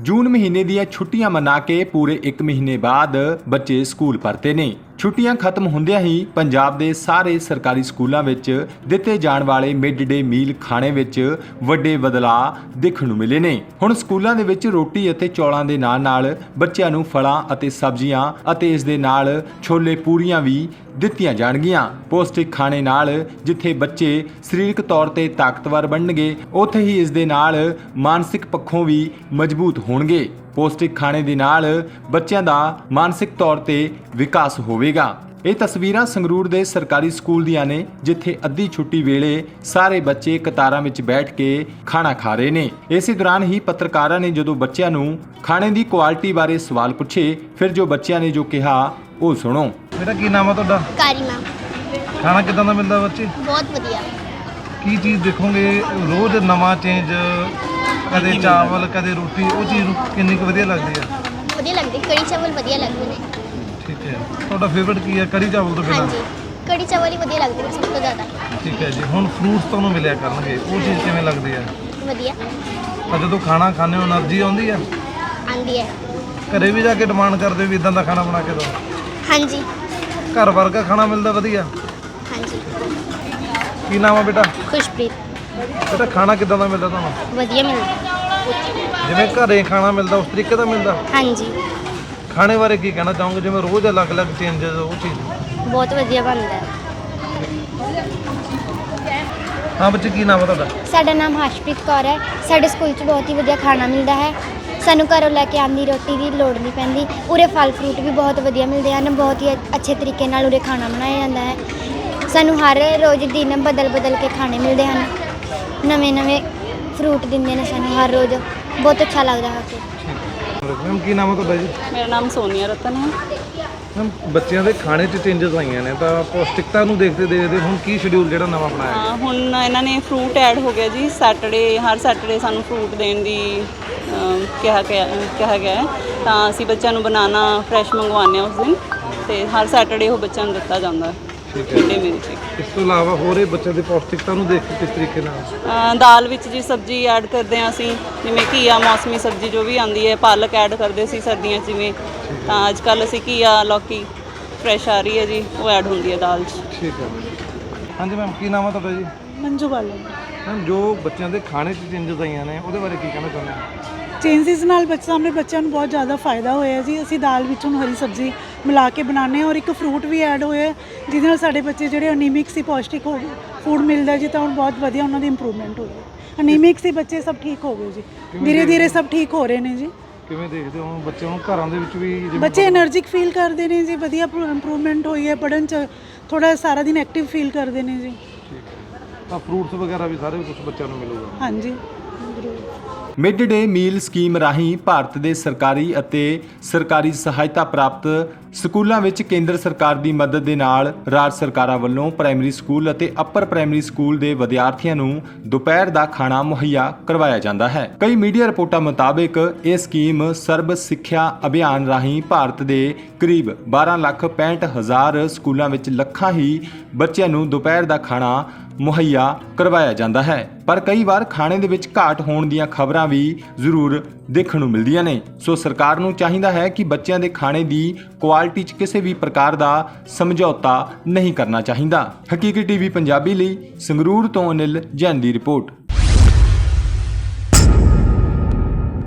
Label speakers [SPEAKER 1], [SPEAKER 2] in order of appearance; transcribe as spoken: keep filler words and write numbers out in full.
[SPEAKER 1] जून महीने ਦੀਆਂ ਛੁੱਟੀਆਂ ਮਨਾ ਕੇ ਪੂਰੇ ਇੱਕ ਮਹੀਨੇ ਬਾਅਦ ਬੱਚੇ ਸਕੂਲ ਪਰਤੇ ਨੇ। ਛੁੱਟੀਆਂ ਖਤਮ ਹੁੰਦਿਆਂ ਹੀ ਪੰਜਾਬ ਦੇ ਸਾਰੇ ਸਰਕਾਰੀ ਸਕੂਲਾਂ ਵਿੱਚ ਦਿੱਤੇ ਜਾਣ ਵਾਲੇ ਮਿਡ ਡੇ ਮੀਲ ਖਾਣੇ ਵਿੱਚ ਵੱਡੇ ਬਦਲਾਅ ਦੇਖਣ ਨੂੰ ਮਿਲੇ ਨੇ। ਹੁਣ ਸਕੂਲਾਂ ਦੇ ਵਿੱਚ ਰੋਟੀ ਅਤੇ ਚੌਲਾਂ ਦੇ ਨਾਲ-ਨਾਲ ਬੱਚਿਆਂ ਨੂੰ ਫਲਾਂ ਅਤੇ ਸਬਜ਼ੀਆਂ ਅਤੇ ਇਸ ਦੇ ਨਾਲ ਛੋਲੇ ਪੂਰੀਆਂ ਵੀ ਦਿੱਤੀਆਂ ਜਾਣਗੀਆਂ। ਪੌਸ਼ਟਿਕ ਖਾਣੇ ਨਾਲ ਜਿੱਥੇ ਬੱਚੇ ਸਰੀਰਕ ਤੌਰ ਤੇ ਤਾਕਤਵਰ ਬਣਨਗੇ, ਉੱਥੇ ਹੀ ਇਸ ਦੇ ਨਾਲ ਮਾਨਸਿਕ ਪੱਖੋਂ ਵੀ ਮਜ਼ਬੂਤ ਹੋਣਗੇ। ਪੌਸ਼ਟਿਕ ਖਾਣੇ ਦੇ ਨਾਲ ਬੱਚਿਆਂ ਦਾ ਮਾਨਸਿਕ ਤੌਰ ਤੇ ਵਿਕਾਸ ਹੋਵੇਗਾ। ਇਹ ਤਸਵੀਰਾਂ ਸੰਗਰੂਰ ਦੇ ਸਰਕਾਰੀ ਸਕੂਲ ਦੀਆਂ ਨੇ, ਜਿੱਥੇ ਅੱਧੀ ਛੁੱਟੀ ਵੇਲੇ ਸਾਰੇ ਬੱਚੇ ਕਤਾਰਾਂ ਵਿੱਚ ਬੈਠ ਕੇ ਖਾਣਾ ਖਾ ਰਹੇ ਨੇ। ਇਸੇ ਦੌਰਾਨ ਹੀ ਪੱਤਰਕਾਰਾਂ ਨੇ ਜਦੋਂ ਬੱਚਿਆਂ ਨੂੰ ਖਾਣੇ ਦੀ ਕੁਆਲਿਟੀ ਬਾਰੇ ਸਵਾਲ ਪੁੱਛੇ, ਫਿਰ ਜੋ ਬੱਚਿਆਂ ਨੇ ਜੋ ਕਿਹਾ ਉਹ ਸੁਣੋ।
[SPEAKER 2] बेटा की नाम है ਤੁਹਾਡਾ?
[SPEAKER 3] ਕਾਰੀਮਾ।
[SPEAKER 2] ਖਾਣਾ ਕਿਦਾਂ ਦਾ ਮਿਲਦਾ ਬੱਚੇ?
[SPEAKER 3] ਬਹੁਤ ਵਧੀਆ।
[SPEAKER 2] ਕੀ ਚੀਜ਼ ਦੇਖੋਗੇ ਰੋਜ਼ ਨਵਾਂ ਚੇਂਜ, ਕਦੇ ਚਾਵਲ ਕਦੇ ਰੋਟੀ, ਉਹ ਚੀਜ਼ ਨੂੰ ਕਿੰਨੀ ਕੁ ਵਧੀਆ ਲੱਗਦੀ ਹੈ?
[SPEAKER 3] ਵਧੀਆ ਲੱਗਦੀ, ਕੜੀ ਚਾਵਲ ਵਧੀਆ ਲੱਗਦੇ ਨੇ।
[SPEAKER 2] ਠੀਕ ਹੈ, ਤੁਹਾਡਾ ਫੇਵਰਟ ਕੀ ਹੈ? ਕੜੀ ਚਾਵਲ ਤੋਂ ਬਿਨਾਂ?
[SPEAKER 3] ਹਾਂਜੀ, ਕੜੀ ਚਾਵਲ ਹੀ ਵਧੀਆ ਲੱਗਦੇ ਨੇ ਸਭ ਤੋਂ ਜ਼ਿਆਦਾ।
[SPEAKER 2] ਠੀਕ ਹੈ ਜੀ। ਹੁਣ ਫਰੂਟਸ ਤੁਹਾਨੂੰ ਮਿਲਿਆ ਕਰਨਗੇ, ਉਹ ਚੀਜ਼ ਕਿਵੇਂ ਲੱਗਦੀ ਹੈ?
[SPEAKER 3] ਵਧੀਆ
[SPEAKER 2] ਤਾਂ ਜਦੋਂ ਖਾਣਾ ਖਾਂਦੇ ਹੋ એનર્ਜੀ ਆਉਂਦੀ ਹੈ?
[SPEAKER 3] ਆਂਦੀ ਹੈ।
[SPEAKER 2] ਘਰੇ ਵੀ ਜਾ ਕੇ ਡਿਮਾਂਡ ਕਰਦੇ ਵੀ ਇਦਾਂ ਦਾ ਖਾਣਾ ਬਣਾ ਕੇ ਦਿਓ?
[SPEAKER 3] ਹਾਂਜੀ
[SPEAKER 2] ਘਰ ਵਰਗਾ ਖਾਣਾ ਮਿਲਦਾ ਵਧੀਆ?
[SPEAKER 3] ਹਾਂਜੀ।
[SPEAKER 2] ਕੀ ਨਾਮ ਹੈ ਬੇਟਾ?
[SPEAKER 3] ਖੁਸ਼ਪ੍ਰੀਤ।
[SPEAKER 2] ਬੇਟਾ ਖਾਣਾ ਕਿਦਾਂ ਦਾ ਮਿਲਦਾ ਤੁਹਾਨੂੰ?
[SPEAKER 3] ਵਧੀਆ ਮਿਲਦਾ।
[SPEAKER 2] ਜਿਵੇਂ ਘਰੇ ਖਾਣਾ ਮਿਲਦਾ ਉਸ ਤਰੀਕੇ ਦਾ ਮਿਲਦਾ?
[SPEAKER 3] ਹਾਂਜੀ,
[SPEAKER 2] ਖਾਣੇ ਬਾਰੇ ਕੀ ਕਹਿਣਾ ਚਾਹੋਗੇ, ਜਿਵੇਂ ਰੋਜ਼ ਅਲੱਗ-ਅਲੱਗ ਚੇਂਜਸ, ਉਹ ਚੀਜ਼?
[SPEAKER 3] ਬਹੁਤ ਵਧੀਆ ਬਣਦਾ ਹੈ।
[SPEAKER 2] ਹਾਂ ਬੱਚੇ, ਕੀ ਨਾਮ ਹੈ ਤੁਹਾਡਾ?
[SPEAKER 4] ਸਾਡਾ ਨਾਮ ਹਰਸ਼ਪ੍ਰੀਤ ਕੌਰ ਹੈ। ਸਾਡੇ ਸਕੂਲ 'ਚ ਬਹੁਤ ਹੀ ਵਧੀਆ ਖਾਣਾ ਮਿਲਦਾ ਹੈ। ਸਾਨੂੰ ਘਰੋਂ ਲੈ ਕੇ ਆਉਂਦੀ ਰੋਟੀ ਦੀ ਲੋੜ ਨਹੀਂ ਪੈਂਦੀ। ਉਰੇ ਫਲ ਫਰੂਟ ਵੀ ਬਹੁਤ ਵਧੀਆ ਮਿਲਦੇ ਹਨ। ਬਹੁਤ ਹੀ ਅੱਛੇ ਤਰੀਕੇ ਨਾਲ ਉਰੇ ਖਾਣਾ ਬਣਾਇਆ ਜਾਂਦਾ ਹੈ। ਸਾਨੂੰ ਹਰ ਰੋਜ਼ ਦਿਨ ਬਦਲ ਬਦਲ ਕੇ ਖਾਣੇ ਮਿਲਦੇ ਹਨ। ਨਵੇਂ ਨਵੇਂ ਫਰੂਟ ਦਿੰਦੇ ਨੇ ਸਾਨੂੰ ਹਰ ਰੋਜ਼। ਬਹੁਤ ਅੱਛਾ ਲੱਗਦਾ ਹੈ ਕਿ
[SPEAKER 2] ਮੈਮ ਕੀ ਨਾਮ ਹੈ ਤੁਹਾਡਾ ਜੀ?
[SPEAKER 5] ਮੇਰਾ ਨਾਮ ਸੋਨੀਆ ਰਤਨ ਹੈ।
[SPEAKER 2] ਮੈਮ ਬੱਚਿਆਂ ਦੇ ਖਾਣੇ 'ਚ ਚੇਂਜਸ ਆਈਆਂ ਨੇ, ਤਾਂ ਪੌਸ਼ਟਿਕਤਾ ਨੂੰ ਦੇਖਦੇ ਦੇਖਦੇ ਹੁਣ ਕੀ ਸ਼ਡਿਊਲ ਜਿਹੜਾ ਨਵਾਂ ਬਣਾਇਆ
[SPEAKER 5] ਹਾਂ, ਹੁਣ ਇਹਨਾਂ ਨੇ ਫਰੂਟ ਐਡ ਹੋ ਗਿਆ ਜੀ। ਸੈਟਰਡੇ ਹਰ ਸੈਟਰਡੇ ਸਾਨੂੰ ਫਰੂਟ ਦੇਣ ਦੀ ਅਮ, ਕਿਹਾ ਗਿਆ ਕਿਹਾ ਗਿਆ ਹੈ। ਤਾਂ ਅਸੀਂ ਬੱਚਿਆਂ ਨੂੰ ਬਨਾਨਾ ਫਰੈਸ਼ ਮੰਗਵਾਉਂਦੇ ਹਾਂ ਉਸ ਦਿਨ, ਅਤੇ ਹਰ ਸੈਟਰਡੇ ਉਹ ਬੱਚਿਆਂ ਨੂੰ ਦਿੱਤਾ ਜਾਂਦਾ ਹੈ ਮਿਡ ਡੇ ਮੀਲ 'ਚ।
[SPEAKER 2] ਇਸ ਤੋਂ ਇਲਾਵਾ ਹੋਰ ਇਹ ਬੱਚਿਆਂ ਦੀ ਪੌਸ਼ਟਿਕਤਾ ਨੂੰ ਦੇਖ ਕੇ ਕਿਸ ਤਰੀਕੇ ਨਾਲ?
[SPEAKER 5] ਅ, ਦਾਲ ਵਿੱਚ ਜੀ ਸਬਜ਼ੀ ਐਡ ਕਰਦੇ ਹਾਂ ਅਸੀਂ, ਜਿਵੇਂ ਘੀਆ, ਮੌਸਮੀ ਸਬਜ਼ੀ ਜੋ ਵੀ ਆਉਂਦੀ ਹੈ। ਪਾਲਕ ਐਡ ਕਰਦੇ ਸੀ ਸਰਦੀਆਂ 'ਚ ਜਿਵੇਂ, ਤਾਂ ਅੱਜ ਕੱਲ੍ਹ ਅਸੀਂ ਘੀਆ, ਲੌਕੀ ਫਰੈਸ਼ ਆ ਰਹੀ ਹੈ ਜੀ, ਉਹ ਐਡ ਹੁੰਦੀ ਹੈ ਦਾਲ 'ਚ।
[SPEAKER 2] ਠੀਕ ਹੈ। ਹਾਂਜੀ ਮੈਮ, ਕੀ ਨਾਮ ਹੈ ਤੁਹਾਡਾ ਜੀ?
[SPEAKER 6] ਮੰਜੂ ਬਾਲੋ।
[SPEAKER 2] ਮੈਮ ਜੋ ਬੱਚਿਆਂ ਦੇ ਖਾਣੇ 'ਚ ਚੇਂਜਸ ਆਈਆਂ ਨੇ, ਉਹਦੇ ਬਾਰੇ ਕੀ ਕਹਿਣਾ ਚਾਹੁੰਦੇ ਹੋ?
[SPEAKER 6] ਚੇਂਜਸ ਨਾਲ ਬੱਚੇ ਸਾਹਮਣੇ ਬੱਚਿਆਂ ਨੂੰ ਬਹੁਤ ਜ਼ਿਆਦਾ ਫਾਇਦਾ ਹੋਇਆ ਜੀ। ਅਸੀਂ ਦਾਲ ਵਿੱਚ ਹੁਣ ਹਰੀ ਸਬਜ਼ੀ ਮਿਲਾ ਕੇ ਬਣਾਉਂਦੇ ਹਾਂ, ਔਰ ਇੱਕ ਫਰੂਟ ਵੀ ਐਡ ਹੋਇਆ, ਜਿਹਦੇ ਨਾਲ ਸਾਡੇ ਬੱਚੇ ਜਿਹੜੇ ਅਨੀਮਿਕ ਸੀ, ਪੌਸ਼ਟਿਕ ਹੋ ਫੂਡ ਮਿਲਦਾ ਜੀ, ਤਾਂ ਹੁਣ ਬਹੁਤ ਵਧੀਆ ਉਹਨਾਂ ਦੀ ਇੰਪਰੂਵਮੈਂਟ ਹੋ ਗਈ। ਅਨੀਮਿਕ ਸੀ ਬੱਚੇ, ਸਭ ਠੀਕ ਹੋ ਗਏ ਜੀ। ਧੀਰੇ ਧੀਰੇ ਸਭ ਠੀਕ ਹੋ ਰਹੇ ਨੇ ਜੀ।
[SPEAKER 2] ਕਿਵੇਂ ਦੇਖਦੇ ਹੋ ਬੱਚਿਆਂ ਨੂੰ ਘਰਾਂ ਦੇ ਵਿੱਚ ਵੀ?
[SPEAKER 6] ਬੱਚੇ એનર્ਜਿਕ ਫੀਲ ਕਰਦੇ ਨੇ ਜੀ, ਵਧੀਆ ਇੰਪਰੂਵਮੈਂਟ ਹੋਈ ਹੈ। ਪੜ੍ਹਨ 'ਚ ਥੋੜ੍ਹਾ ਸਾਰਾ ਦਿਨ ਐਕਟਿਵ ਫੀਲ ਕਰਦੇ ਨੇ ਜੀ।
[SPEAKER 2] ਤਾਂ ਫਰੂਟਸ ਵਗੈਰਾ ਵੀ ਸਾਰੇ ਕੁਝ ਬੱਚਿਆਂ ਨੂੰ ਮਿਲੂਗਾ?
[SPEAKER 6] ਹਾਂਜੀ।
[SPEAKER 1] ਮਿਡ ਡੇ ਮੀਲ ਸਕੀਮ ਰਾਹੀਂ ਭਾਰਤ ਦੇ ਸਰਕਾਰੀ ਅਤੇ ਸਰਕਾਰੀ ਸਹਾਇਤਾ ਪ੍ਰਾਪਤ ਸਕੂਲਾਂ ਵਿੱਚ ਕੇਂਦਰ ਸਰਕਾਰ ਦੀ ਮਦਦ ਦੇ ਨਾਲ ਰਾਜ ਸਰਕਾਰਾਂ ਵੱਲੋਂ ਪ੍ਰਾਇਮਰੀ ਸਕੂਲ ਅਤੇ ਅੱਪਰ ਪ੍ਰਾਇਮਰੀ ਸਕੂਲ ਦੇ ਵਿਦਿਆਰਥੀਆਂ ਨੂੰ ਦੁਪਹਿਰ ਦਾ ਖਾਣਾ ਮੁਹੱਈਆ ਕਰਵਾਇਆ ਜਾਂਦਾ ਹੈ। ਕਈ ਮੀਡੀਆ ਰਿਪੋਰਟਾਂ ਮੁਤਾਬਕ ਇਹ ਸਕੀਮ ਸਰਬ ਸਿੱਖਿਆ ਅਭਿਆਨ ਰਾਹੀਂ ਭਾਰਤ ਦੇ ਕਰੀਬ ਬਾਰਾਂ ਲੱਖ ਪੈਂਹਠ ਹਜ਼ਾਰ ਸਕੂਲਾਂ ਵਿੱਚ ਲੱਖਾਂ ਹੀ ਬੱਚਿਆਂ ਨੂੰ ਦੁਪਹਿਰ ਦਾ ਖਾਣਾ ਮੁਹੱਈਆ ਕਰਵਾਇਆ ਜਾਂਦਾ ਹੈ। ਪਰ ਕਈ ਵਾਰ ਖਾਣੇ ਦੇ ਵਿੱਚ ਘਾਟ ਹੋਣ ਦੀਆਂ ਖਬਰਾਂ ਵੀ ਜ਼ਰੂਰ ਦੇਖਣ ਨੂੰ ਮਿਲਦੀਆਂ ਨੇ। ਸੋ ਸਰਕਾਰ ਨੂੰ ਚਾਹੀਦਾ ਹੈ ਕਿ ਬੱਚਿਆਂ ਦੇ ਖਾਣੇ ਦੀ ਕੁਆਲਿਟੀ 'ਚ ਕਿਸੇ ਵੀ ਪ੍ਰਕਾਰ ਦਾ ਸਮਝੌਤਾ ਨਹੀਂ ਕਰਨਾ ਚਾਹੀਦਾ। ਹਕੀਕੀ ਟੀਵੀ ਪੰਜਾਬੀ ਲਈ ਸੰਗਰੂਰ ਤੋਂ ਅਨਿਲ ਜੈਨ ਦੀ ਰਿਪੋਰਟ।